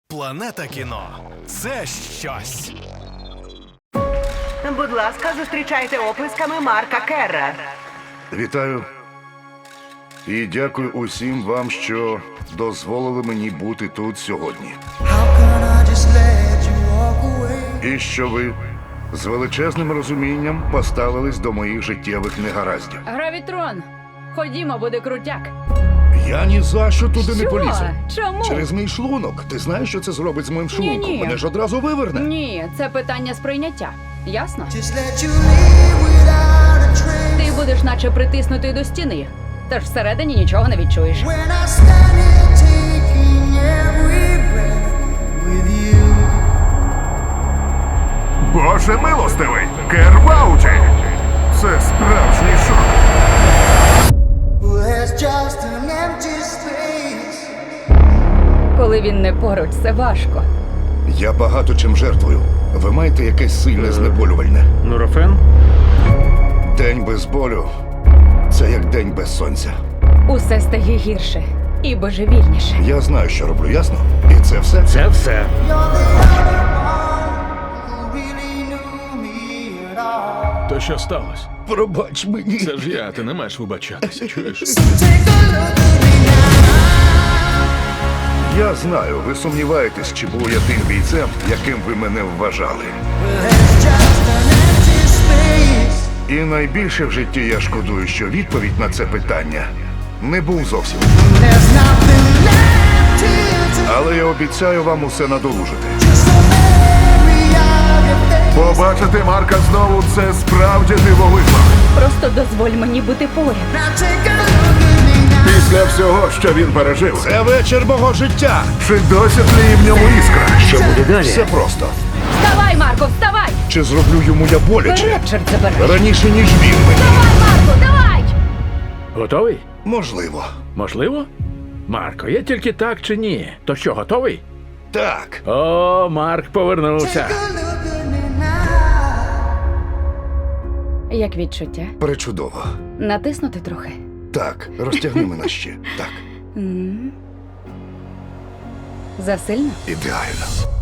Планета кіно – це щось. Будь ласка, зустрічайте оплесками Марка Керра. Вітаю. І дякую усім вам, що дозволили мені бути тут сьогодні. І що ви з величезним розумінням поставились до моїх життєвих негараздів. Гравітрон, ходімо, буде крутяк. Я ні за що туди не Що? полізу. Чому? Через мій шлунок. Ти знаєш, що це зробить з моїм шлунком? Ні-ні. Мене ж одразу виверне. Ні, це питання сприйняття. Ясно? Just let you leave without a trace. Ти будеш наче притиснутий до стіни, тож всередині нічого не відчуєш. When I stand here taking every breath with you. Боже милостивий! Кер в ауті! Це справжній шок. Well, there's just an empty space. Коли він не поруч, це важко. Я багато чим жертвую. Ви маєте якесь сильне знеболювальне. Нурофен? День без болю – це як день без сонця. Усе стає гірше і божевільніше. Я знаю, що роблю, ясно? І це все? Це все. You're the only one who really knew me at all. То що сталося? Пробач мені. Це ж я, ти не маєш вибачатися, чуєш? Take a look at me now. Я знаю, ви сумніваєтесь, чи був я тим бійцем, яким ви мене вважали. Well, there's just an empty space. І найбільше в житті я шкодую, що відповідь на це питання не був зовсім. There's nothing left here to Але я обіцяю вам усе надолужити. just a memory of your face. Побачити Марка знову – це справді дивовижно. Просто дозволь мені бути поряд. Now take a look at me now. Після всього, що він пережив, Це вечір мого життя. чи досі тліє в ньому іскра? Що буде далі? Все просто. Вставай, Марко, вставай! Чи зроблю йому я боляче? Вперед, чорт забирай! Раніше, ніж він мені. Давай, Марко, давай! Готовий? Можливо. Можливо? Марко, є тільки так чи ні? То що, готовий? Так. О, Марк повернувся. Take a look at me now. Як відчуття? Пречудово. Натиснути трохи. Так, розтягни мене ще. Так, Засильно? ідеально.